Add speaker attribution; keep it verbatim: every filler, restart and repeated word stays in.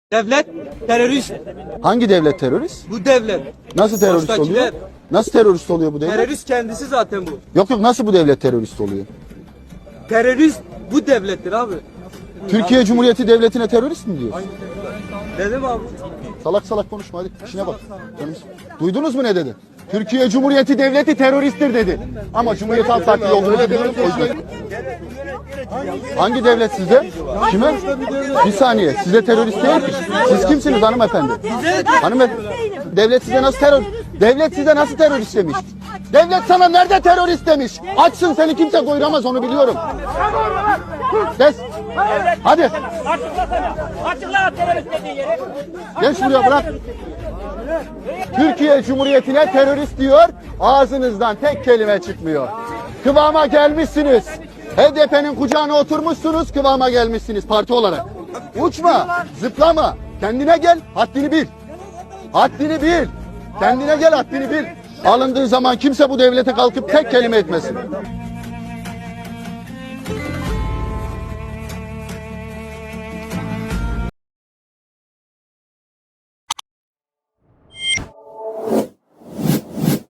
Speaker 1: Devlet terörist.
Speaker 2: Hangi devlet terörist?
Speaker 1: Bu devlet.
Speaker 2: Nasıl terörist
Speaker 1: Baştakiler.
Speaker 2: oluyor? Nasıl terörist oluyor bu devlet?
Speaker 1: Terörist kendisi zaten bu.
Speaker 2: Yok yok, nasıl bu devlet terörist oluyor?
Speaker 1: Terörist bu devlettir abi.
Speaker 2: Türkiye Cumhuriyeti Devleti'ne terörist mi diyorsun?
Speaker 1: Dedim abi.
Speaker 2: Salak salak konuşma, hadi işine bak. Duydunuz mu ne dedi? Türkiye Cumhuriyeti Devleti teröristtir dedi. Ama Cumhuriyet Halk Partili olduğunu biliyorum. O yüzden. Hangi devlet size? Kime? Bir saniye. Size terörist değil ki. Siz kimsiniz hanımefendi? Hanımefendi. Devlet size nasıl terör? Devlet size nasıl terörist demiş? Devlet sana nerede terörist demiş? Açsın, seni kimse doyuramaz, onu biliyorum. Kes. Hadi.
Speaker 3: Açıklasana. Açıkla terörist dediği yeri.
Speaker 2: Gel şuraya, bırak. Türkiye Cumhuriyeti'ne terörist diyor, ağzınızdan tek kelime çıkmıyor. Kıvama gelmişsiniz. H D P'nin kucağına oturmuşsunuz, kıvama gelmişsiniz parti olarak. Uçma, zıplama, kendine gel, haddini bil. Haddini bil. Kendine gel, haddini bil. Alındığı zaman kimse bu devlete kalkıp tek kelime etmesin.